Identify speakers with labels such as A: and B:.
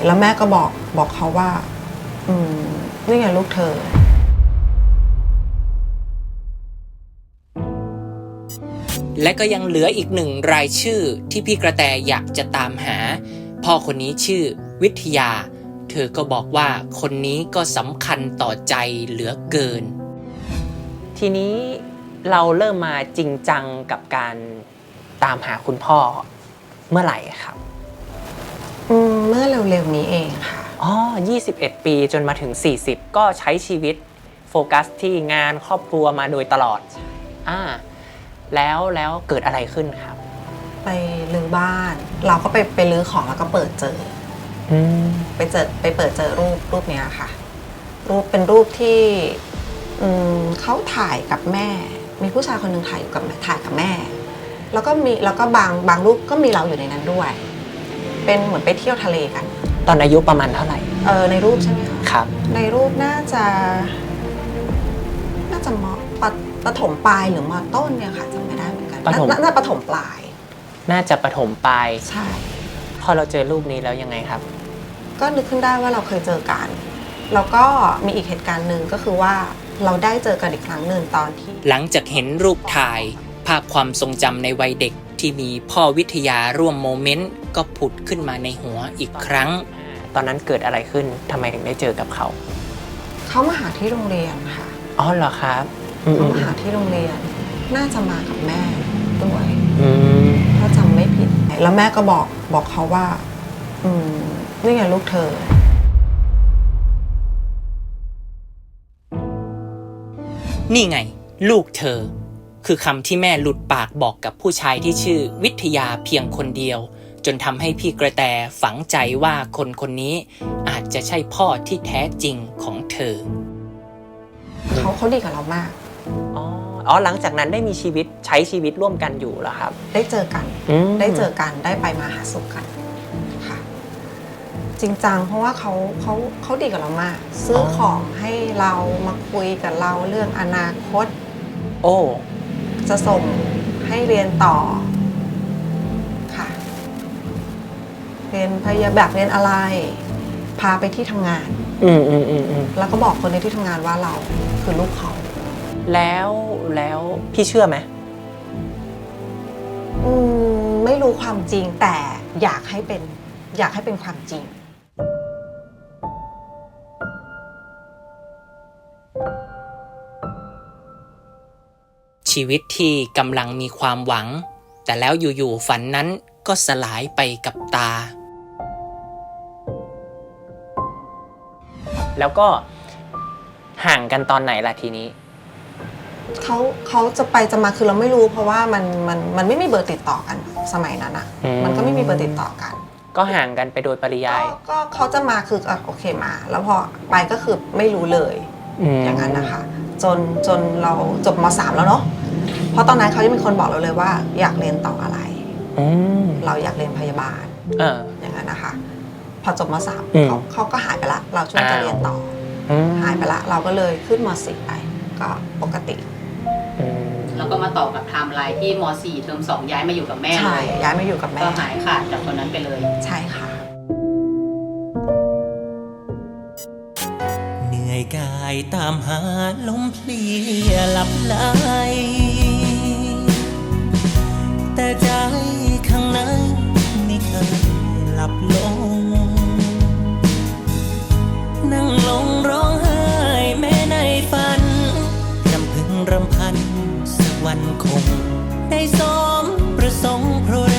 A: แล้วแม่ก็บอกเขาว่านี่ไงลูกเธอ
B: และก็ยังเหลืออีกหนึ่งรายชื่อที่พี่กระแตอยากจะตามหาพ่อคนนี้ชื่อวิทยาเธอก็บอกว่าคนนี้ก็สำคัญต่อใจเหลือเกินทีนี้เราเริ่มมาจริงจังกับการตามหาคุณพ่อเมื่อไหร่ครับ
A: เมื่อเร็วๆนี้เองค่ะ
B: 21 ปีจนมาถึง40ก็ใช้ชีวิตโฟกัสที่งานครอบครัวมาโดยตลอดแล้วเกิดอะไรขึ้นครับ
A: ไปรื้อบ้านเราก็ไปรื้อของแล้วก็เปิดเจอไปเปิดเจอรูปเนี้ยค่ะเป็นรูปที่เขาถ่ายกับแม่มีผู้ชายคนหนึ่งถ่ายกับแม่แล้วก็บางรูปก็มีเราอยู่ในนั้นด้วยเป็นเหมือนไปเที่ยวทะเลกัน
B: ตอนอายุประมาณเท่าไหร่
A: ในรูปใช่ไหมคะ
B: ครับ
A: ในรูปน่าจะประถมปลายหรือมต้นเนี่ยค่ะจำไม่ได้เหมือนกันน่าประถมปลาย
B: น่าจะประถมปลาย
A: ใช่
B: พอเราเจอรูปนี้แล้วยังไงครับ
A: ก็นึกขึ้นได้ว่าเราเคยเจอกันแล้วก็มีอีกเหตุการณ์หนึ่งก็คือว่าเราได้เจอกันอีกครั้งหนึ่งตอนที่
B: หลังจากเห็นรูปถ่ายภาพความทรงจำในวัยเด็กที่มีพ่อวิทยาร่วมโมเมนต์ก็ผุดขึ้นมาในหัวอีกครั้งตอนนั้นเกิดอะไรขึ้นทำไมถึงได้เจอกับเขา
A: มาหาที่โรงเรียนค่ะ
B: อ๋อเหรอครับ
A: เขามาหาที่โรงเรียนน่าจะมากับแม่ด้วยถ้าจำไม่ผิดแล้วแม่ก็บอกเขาว่านี่ไงลูกเธอ
B: นี่ไงลูกเธอคือคำที่แม่หลุดปากบอกกับผู้ชายที่ชื่อวิทยาเพียงคนเดียวจนทำให้พี่กระแตฝังใจว่าคนนี้อาจจะใช่พ่อที่แท้จริงของเธอ
A: เขาดีกับเรามาก
B: หลังจากนั้นได้มีใช้ชีวิตร่วมกันอยู่เหรอครับ
A: ได้เจอกันได้ไปมาหาสู่กันค่ะจริงจังเพราะว่าเขาดีกับเรามากซื้อของให้เรามาคุยกับเราเรื่องอนาคตจะส่งให้เรียนต่อค่ะเรียนพยาบาลเรียนอะไรพาไปที่ทำงานแล้วก็บอกคนในที่ทำงานว่าเราคือลูกเขา
B: แล้วพี่เชื่อไหม
A: ไม่รู้ความจริงแต่อยากให้เป็นความจริง
B: ชีวิตที่กำลังมีความหวังแต่แล้วอยู่ๆฝันนั้นก็สลายไปกับตาแล้วก็ห่างกันตอนไหนล่ะทีนี้
A: เขาจะไปจะมาคือเราไม่รู้เพราะว่ามันไม่มีเบอร์ติดต่อกันสมัยนั้นอ่ะมันก็ไม่มีเบอร์ติดต่อกัน
B: ก็ห่างกันไปโดยปริยาย
A: ก็เขาจะมาคือโอเคมาแล้วพอไปก็คือไม่รู้เลยอย่างนั้นนะคะจนเราจบม.3 แล้วเนาะเพราะตอนนั้นเขาจะเป็นคนบอกเราเลยว่าอยากเรียนต่ออะไรเราอยากเรียนพยาบาลอย่างนั้นนะคะพอจบม.3 เขาก็หายไปละเราช่วยจะเรียนต่อหายไปละเราก็เลยขึ้นม.4 ไปก็ปกติ
C: แล้วก็มาต่อกับไทม์ไลน์ที่ม.4 เทอม 2ย้ายมาอยู่กับแม่เลย
A: ใช่ย้ายมาอยู่กับแม่
C: ก็หายขาดจากคนนั้นไปเลย
A: ใช่ค่ะ
B: เหนื่อยกายตามหาลมเพลียหลับไหลแต่ใจข้างในไม่เคยหลับลงนั่งลงร้องไห้แม้ในฝันรำพันสักวันคงได้สมประสงค์เพราะ